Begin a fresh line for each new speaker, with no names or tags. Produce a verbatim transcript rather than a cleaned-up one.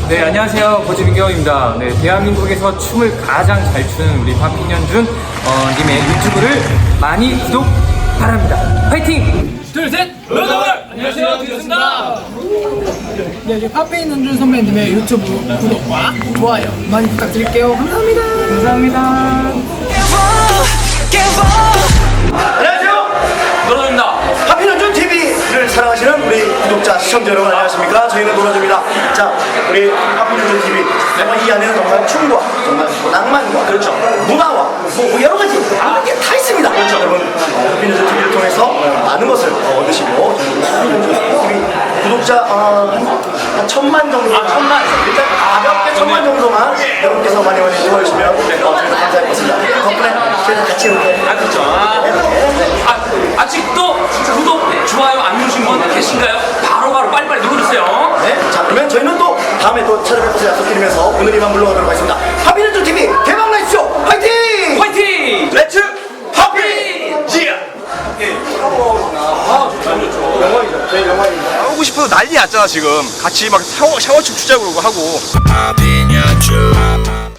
네, 안녕하세요. 고지민경입니다. 네, 대한민국에서 춤을 가장 잘 추는 우리 파핀현준 어, 님의 유튜브를 많이 구독 바랍니다. 화이팅!
둘, 셋! 로더월! 안녕하세요, 드렸습니다.
네, 이제 파페인 은준 선배님의 유튜브 구독과 좋아요 많이 부탁드릴게요. 감사합니다. 감사합니다.
안녕하세요.
로더입니다.
파핀현준 티비를 사랑하시는 우리 구독자, 시청자 여러분 안녕하십니까? 저희는 노라조입니다. 자, 우리 파핀현준 티비 정말 이 안에는 정말 춤과 정말 뭐 낭만과 그렇죠 문화와 뭐 여러 가지 모든 게 다 있습니다. 그렇죠. 여러분 파핀현준 티비를 통해서 많은 것을 얻으시고 파핀현준 티비 구독자 어, 한, 한 천만 정도 아 천만 일단 가볍게 천만 정도만 여러분께서 많이 많이 도와주시면 어, 저희도 감사할 것 같습니다. 덕분에 저희도 같이 이렇게
아, 그렇죠. 아, 아직도 구독, 좋아요 안 누르신 분 계신가요? 바로바로 빨리빨리 눌러주세요.
네, 자 그러면 저희는 또 다음에 또 찾아뵐 것을 약속드리면서 오늘 이만 물러가도록 하겠습니다. 파핀현준 티비 대박 나십시오. 화이팅!
화이팅!
렛츠 파핀! 지야!
아, 좋죠, 좋죠.
영광이죠. 저희 영광입니다.
하고 싶어서 난리 났잖아 지금. 같이 막 샤워, 샤워춤 추자고 그러고 하고.